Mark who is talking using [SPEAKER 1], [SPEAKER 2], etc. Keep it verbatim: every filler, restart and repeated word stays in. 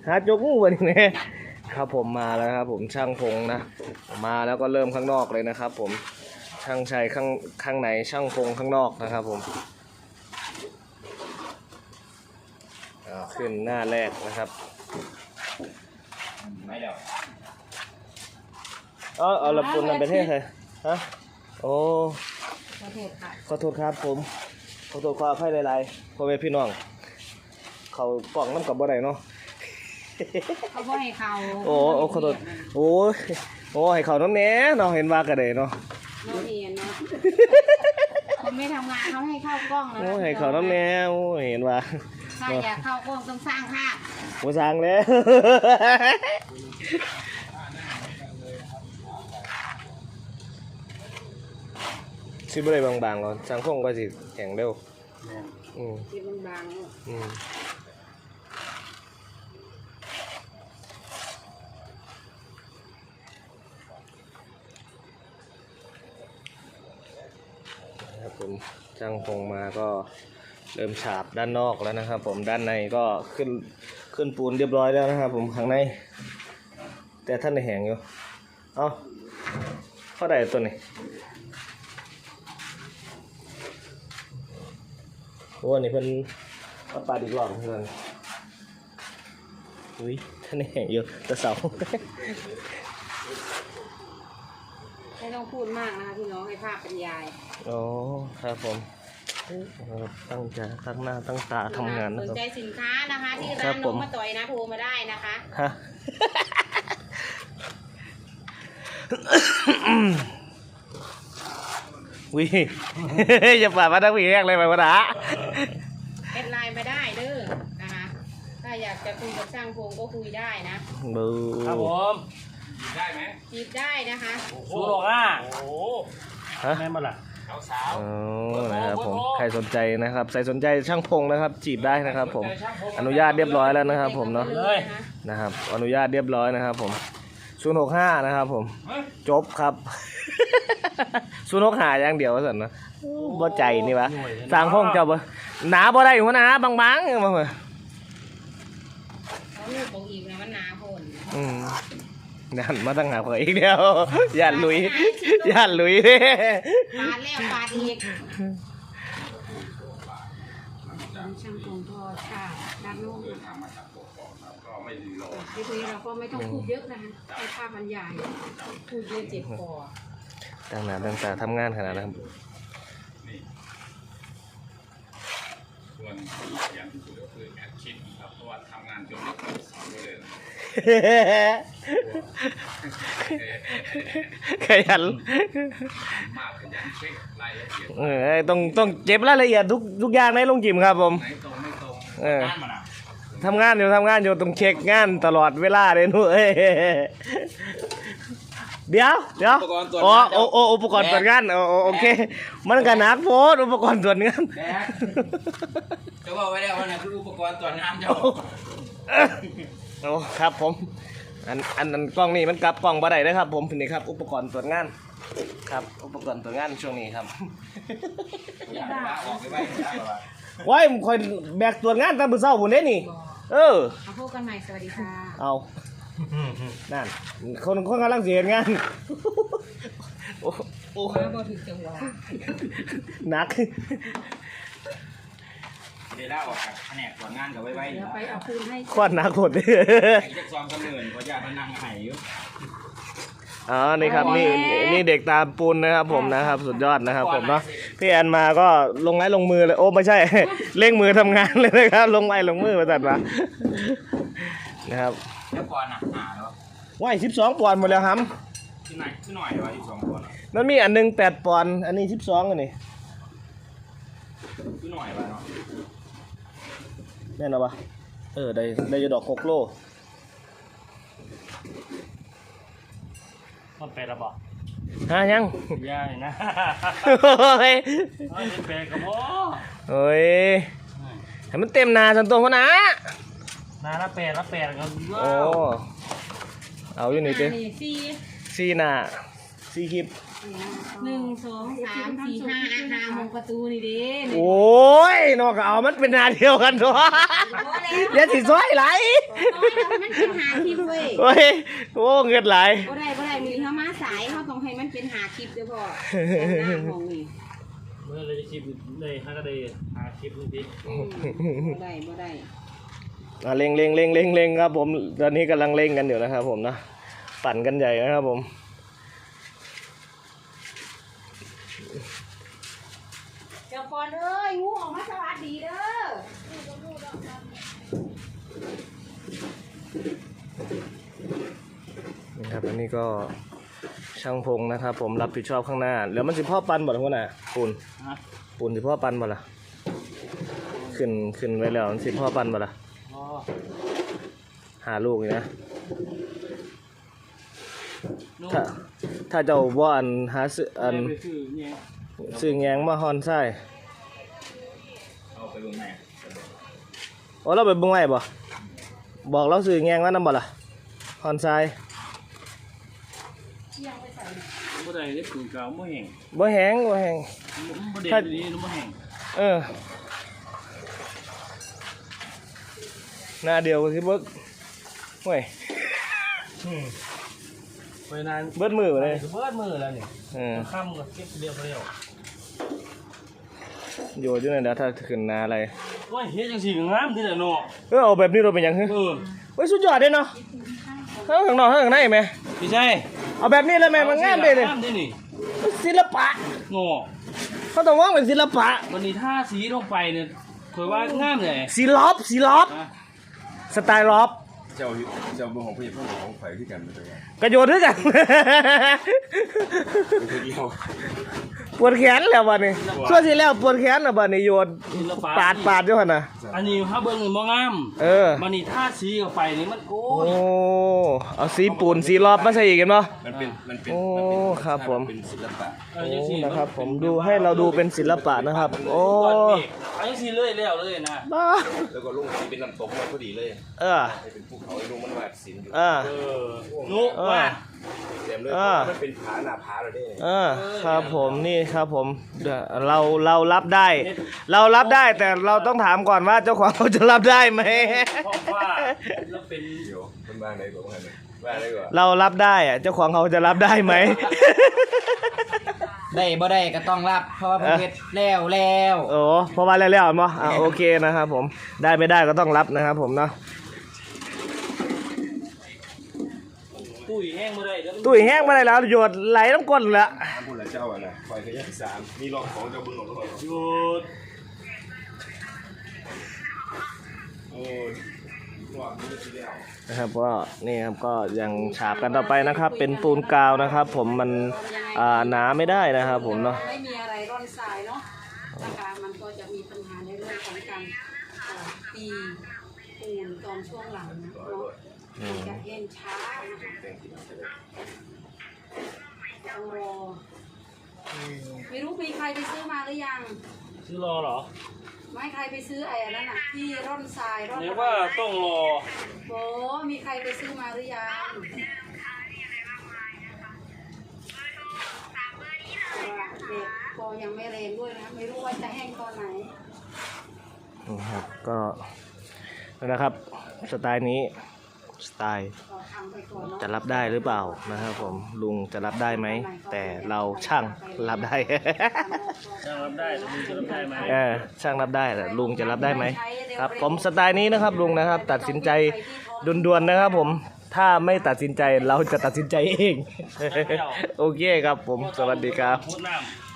[SPEAKER 1] หาจกงูวันนี้ครับผมมาแล้วครับผมช่างพงนะมาแล้วก็เริ่มข้างนอกเลยนะครับผมช่างชัยข้างข้างในช่างพงข้างนอกนะครับผมขึ้นหน้าแรกนะครับไม่เดี๋ยวเออเอาละปุ่นมันเป็นเท่ใครฮะโอ้ขอโทษค่ะขอโทษครับผมขอโทษความให้หลายๆพ่อแม่พี่น้องเขากล่องน้ำกับบ่ได้เนาะ
[SPEAKER 2] เขาบ่ให้เขา
[SPEAKER 1] โอ้โอ้ขอโทษโอ้โอ้ให้เขาน้ำเนี้ยเนาะเห็นว่ากันเลยเนาะ
[SPEAKER 2] เราเห็นเนาะเขาไม่ทำงานเขาให้เข้ากล้องแล้ว
[SPEAKER 1] โอ้ให้เขาน้ำเนี้ยโอ้เห็นว่า
[SPEAKER 2] ถ้าอยากเข้ากล้องต้องสร้างภาพ
[SPEAKER 1] โอ้สร้างแล้วชิบอะไรบางๆก่อนสร้างพงก็สิแข็งเร็วอืม
[SPEAKER 2] ชิบบางๆ
[SPEAKER 1] อืมครับผมช่างพงมาก็เริ่มฉาบด้านนอกแล้วนะครับผมด้านในก็ขึ้นขึ้นปูนเรียบร้อยแล้วนะครับผมข้างในแต่ท่านในแหงอยู่เอาเข้าได้ตัวนี้โอ้นี่เพิ่นเอาปลาดีกรอบเพื่อนอุ้ยท่านในแหงอยู่แต่เสา
[SPEAKER 2] ไม่ต้องพูดมากนะคะพี่น้องให้ภาพบรรยาย
[SPEAKER 1] อ๋อครับผมตั้งใจตั้งหน้าตั้งตาทำงาน
[SPEAKER 2] นะครับสนใจสินค้านะคะที่ร้านน้องมาต่อยนะโทรมาได้นะคะฮะ
[SPEAKER 1] วิอย่าฝ่ามาตั้งวีแรกเลยไปวะนะ
[SPEAKER 2] แอดไลน์มาได้เด้อนะคะถ้าอยากจะคุยกับช่างพงก็คุยได้นะ
[SPEAKER 1] บู
[SPEAKER 3] ครับผมได้ไหม
[SPEAKER 2] จีบได้นะคะ
[SPEAKER 3] สูโรห้าโอ้ฮะแม่มาละสาว
[SPEAKER 1] ๆนะครับผมใครสนใจนะครับใครสนใจช่างพงนะครับจีบได้นะครับผมอนุญาตเรียบร้อยแล้วนะครับผมเนาะนะครับอนุญาตเรียบร้อยนะครับผมศูนย์หกห้านะครับผมจบครับศูนย์หกห้าอย่างเดียวสันนะบ่ใจนี่วะสร้างพงเจ้าบ่หนาบ่ได้หัวหนาบางๆมาเหรอ
[SPEAKER 2] เขาลูกของอีกนะมันหนาพน
[SPEAKER 1] อืมยันมาตั้งหาเผยอีกเดียวยันลุยยันลุย
[SPEAKER 2] ปาดแล้วปาดอีกช่างพงทอค่ะด้านโน้นทีนี้เราก็ไม่ต้องพูดเยอะนะคะให้ภาพบรรยายพูดเยอะเจ็บคอ
[SPEAKER 1] ตั้งหน้าตั้งตาทำงานขนาดนั้น
[SPEAKER 3] ส่วนอย่างที่สุดก็คือแอดชิดครับเพราะว่าทำงานจนเลิกสอนเลย
[SPEAKER 1] ขยัน
[SPEAKER 3] มากขยันเช็ครายละเอียด
[SPEAKER 1] เออต้องต้องเก็บรายละเอียดทุกทุกอย่างในโรงจิมครับผม
[SPEAKER 3] ไหนตรงไม่ตรง
[SPEAKER 1] เออทำงานอยู่ทำงานอยู่ต้องเช็คงานตลอดเวลาเลยนู้เอ้ยเดี๋ยวเดี๋ยวโอ้โอ้โอ้อุปกรณ์ตรวจงานโอ้โอเคมันกันนักโพสอุปกรณ์ตรวจงาน
[SPEAKER 3] จะบอกไว้แล้วว่านี่คืออุปกรณ์ตรวจงานเจ้า
[SPEAKER 1] โอ้ครับผมอันอันอันกล้องนี่มันกลับกล้องบ่ได้นะครับผมนี่ครับอุปกรณ์ตรวจงานครับอุปกรณ์ตรวจงานช่วงนี้ครับว้ายคอยแบกตรวจงานตามมือเศร้าผมเด้นี่เออ
[SPEAKER 2] เอาพบกันใหม่สวัสดีค่ะ
[SPEAKER 1] เอานั่นคนคนกำลังเสียงานโอ้โอ้
[SPEAKER 2] มาบ่ถึงจังหวะ
[SPEAKER 1] หนัก
[SPEAKER 3] เดี๋ยวได้ออกจากแผนกตรวจงานกับไว้ไว้
[SPEAKER 2] เดี๋ยวไปเอาคืนให้
[SPEAKER 1] ควันหนักหมดเลย
[SPEAKER 3] จะซ้อมกันเหนื่อยเพราะญาติมันนั่งไห้อยู่
[SPEAKER 1] อ๋อนี่ครับนี่นี่เด็กตามปูนนะครับผมนะครับสุดยอดนะครับผมเนาะพี่แอนมาก็ลงไม้ลงมือเลยโอ้ไม่ใช่เร่งมือทำงานเลยนะครับลงไม้ลงมือมาตัดมานะครับ
[SPEAKER 3] แล้วก่อนอ่ะหาแล้ว
[SPEAKER 1] ว่ายสิบสองปอนด์หมดแล้วครับ
[SPEAKER 3] ที่ไหนที่หน่อยว่าสิบสองปอนด์
[SPEAKER 1] นั่นมีอันหนึ่งแปดปอนด์อันนี้สิบสองอันนี้
[SPEAKER 3] ที่หน่อยว่าเนาะ
[SPEAKER 1] แน่นอนปะเออได้ได้ยดอกโคกโล
[SPEAKER 3] มันเป็นระบอก
[SPEAKER 1] ฮะยัง
[SPEAKER 3] ยากนะ
[SPEAKER 1] เฮ้ย
[SPEAKER 3] เป็นกระบอก
[SPEAKER 1] เฮ้ยให้มันเต็มนาสันตัวเขานะ
[SPEAKER 3] นาละแปดละแปดกัน
[SPEAKER 1] โอ้เอาอยู่นี่เต้
[SPEAKER 2] ซี
[SPEAKER 1] ซีนาซีคลิป
[SPEAKER 2] หนึ่งสองสามสี่ห้าห้าหกประตูนี่เด้
[SPEAKER 1] โอ้ยนอกเอามันเป็นหนาเดียวกันตัวอย่าสิซอยไหล
[SPEAKER 2] มันเป็นหาคลิปเว้ย
[SPEAKER 1] โอ้ยโอ้เงินไหล
[SPEAKER 2] บ่ได้บ่ได้มีเขามาสายเขาต้องให้มันเป็นหาคลิปเด้อพ่อหน้าของนี่
[SPEAKER 4] เมื่อเราจะคลิปเลยฮักก็ได้หาคลิปนึงที
[SPEAKER 2] บ่ได้บ่ได้
[SPEAKER 1] อ่ะเร่งเร่งเร่งเร่งเร่งครับผมตอนนี้กำลังเร่งกันอยู่นะครับผมนะปั่นกันใหญ่นะครับผม
[SPEAKER 2] เจ้าปอนเอ้ยงูออกมาสวัสดีเด้อ
[SPEAKER 1] นี่ครับอันนี้ก็ช่างพงนะครับ ผมรับผิดชอบข้างหน้าแล้วมันสิพ่อปันบ่ล่ะพ่อน่ะปูน
[SPEAKER 4] ฮะ
[SPEAKER 1] ปูนสิพ่อปันบ่ล่ะขึ้นขึ้นไว้แล้วมันสิพ่อปันบ่ล่ะ
[SPEAKER 4] อ๋อ
[SPEAKER 1] หาลูกนี่นะ
[SPEAKER 4] ลูก
[SPEAKER 1] ถ้าถ้าเจ้าบ่อันหาซื้ออัน
[SPEAKER 4] ไปซื้อเนี่ย
[SPEAKER 1] ซื้อแงงมาฮอนไส้
[SPEAKER 3] เอาไปลงไหน
[SPEAKER 1] โอ้เราไปเบิ่งไว้บ่บอกเราซื้อแงงมานำบ่ล่ะฮอนไส้
[SPEAKER 4] บ่ได้ได้ปืนกาวบ่แห้ง
[SPEAKER 1] บ่แห้งบ่แห้ง
[SPEAKER 4] บ่ได้ดีบ่แห้ง
[SPEAKER 1] เออหน้าเดียวกันสิเบิกเว้ย
[SPEAKER 4] ไปนาน
[SPEAKER 1] เบิดมือเลย
[SPEAKER 4] เบิดมือแล้วนี่
[SPEAKER 1] เออ
[SPEAKER 4] ค่ำก็เก็บเรียบเร็ว
[SPEAKER 1] โยนอยู่นั่นเดี๋ยวถ้าขึ้นนาอะไร
[SPEAKER 4] โอ้ยเฮ็ดจังซี่ก็งามทีละเนาะ
[SPEAKER 1] เออเอาแบบนี้เราเป็นหยังฮึ
[SPEAKER 4] เออ
[SPEAKER 1] เฮ้ยสุดยอดเด้เนาะทั้งข้างนอกทั้งข้างในแม่
[SPEAKER 4] พี่ใช่
[SPEAKER 1] เอาแบบนี้เลยแม่มันงามเด้เลย
[SPEAKER 4] งามเด้นี่
[SPEAKER 1] ศิลปะ
[SPEAKER 4] เนาะ
[SPEAKER 1] เขาต้องว่างเป็นศิลปะ
[SPEAKER 4] วันนี้ท่าสีลงไปเนี่ยข่อยว่างามเลย
[SPEAKER 1] สีล็อบสีล็อบ
[SPEAKER 4] นะ
[SPEAKER 1] สไตล์ล็อบ
[SPEAKER 5] เจ้าเจ้าเมืองของพี่เพื่อนของไผ่ที่กันเป็นยังไง
[SPEAKER 1] กระโยนด้วยกัน
[SPEAKER 5] เป็นคนเดียว
[SPEAKER 1] ปวดแขนแล้วบัดนี้ช่วงที่แล้วปวดแขนแล้วบัดนี้โยน
[SPEAKER 4] ศิลปะ
[SPEAKER 1] ปาดปาดด้วยหั่นน่ะ
[SPEAKER 4] อันนี้ถ้าเบิ่งนี่บ่งาม
[SPEAKER 1] เออ
[SPEAKER 4] วันนี้ท่าสีเข้าไปนี่มันโอ้
[SPEAKER 1] โอ้
[SPEAKER 4] ย
[SPEAKER 1] เอาสีปูนสีล็อบมาใส่อีกกันเนาะ
[SPEAKER 5] มันเป็นมันเป็น
[SPEAKER 1] โอ้
[SPEAKER 5] มันเป็น
[SPEAKER 1] ครับผม
[SPEAKER 5] เป็นศิลปะ
[SPEAKER 4] เออจังซี่
[SPEAKER 1] โอ้นะครับผมดูให้เราดูเป็นศิลปะนะครับ โอ้
[SPEAKER 4] ก้อนเมฆอันนี้สีเลื่อยแล้วเลยนะ
[SPEAKER 1] บ้า
[SPEAKER 5] แล้วก็ลุงที่เป็นน้ำตกมันพอดีเลย
[SPEAKER 1] เออ
[SPEAKER 5] ให้เป็นภูเขาไอ้ลุงมันวาดศิลป์อยู่
[SPEAKER 1] เออ
[SPEAKER 4] เออนุก
[SPEAKER 1] เออ
[SPEAKER 4] ว่า
[SPEAKER 5] เต็มเลย
[SPEAKER 1] อ่า
[SPEAKER 5] มันเป็นผาหน้าผาเลยเด้
[SPEAKER 1] เออครับผมนี่ครับผมเดี๋ยวเราเรารับได้ เรารับได้แต่เราต้องถามก่อนว่าเจ้าของเขาจะรับได้ไหม
[SPEAKER 4] เพราะว่าแล้วเป็น
[SPEAKER 5] เดี๋ยวมันวางไหนก่อนวางไหนวางไหนก่อน
[SPEAKER 1] เรารับได้อะเจ้าของเขาจะรับได้ไหม
[SPEAKER 6] ได้บ่ได้ก็ต้องรับ เพราะว่าเพิ่นเฮ็ดแล้วแล้ว
[SPEAKER 1] โอ้เพราะว่าแล้วๆมั้งอ่ะโอเคนะครับผมได้ไม่ได้ก็ต้องรับนะครับผมเนาะ
[SPEAKER 4] ตุ้ยแห้งบ่ได้แล้ว
[SPEAKER 1] ตุ้ยแห้งมาได้แล้วหยดไหลน้ำก้นละ
[SPEAKER 5] น้ำพุ่นละเจ้าอ่ะนะคอยขยันสามมีรอบของเจ้าบุญหลงแล้ว
[SPEAKER 4] หยุด
[SPEAKER 5] โอ้ยรอบนี้ที่แล้ว
[SPEAKER 1] นะครับก็นี่ครับก็ยังฉาบกันต่อไปนะครับ เป็นปูนกาวนะครับ ผมมันอ่าหนาไม่ได้นะครับผมเนาะ
[SPEAKER 2] ไม่มีอะไรร่อนทรายเนาะนะคะมันก็จะมีปัญหาในเรื่องของการเอ่อตีปูนตอนช่วงหลังนะเนาะมันจะเอ็นช้านะคะต้องรอไม่รู้มีใครไปซื้อมาหรือยัง
[SPEAKER 4] ซื้อรอเหรอ
[SPEAKER 2] ไม่ใครไปซื้อไอ้อันนั้นน่ะที่ร่อนทรายร่อน
[SPEAKER 4] เรียกว่าต้องรอ
[SPEAKER 2] โบมีใครไปซื้อมาหรือยังเพราะว่าเด็กก็ยังไม่แรงด้วยนะไม่รู้ว่าจะแห้งตอนไหน
[SPEAKER 1] นะครับก็นะครับสไตล์นี้สไตล์
[SPEAKER 2] ก็ทำไปก่อนเนาะ
[SPEAKER 1] จะรับได้หรือเปล่านะครับผมลุงจะรับได้ไหมแต่เราช่างรับได้
[SPEAKER 4] จะรับได้ลุงจะรับได้ไหม
[SPEAKER 1] เออช่างรับได้แต่ลุงจะรับได้ไหมครับผมสไตล์นี้นะครับลุงนะครับ ตัดสินใจด่วนๆนะครับผมถ้าไม่ตัดสินใจเราจะตัดสินใจเอง โอเคครับผมสวัสดีครับ
[SPEAKER 4] พูดน้ำ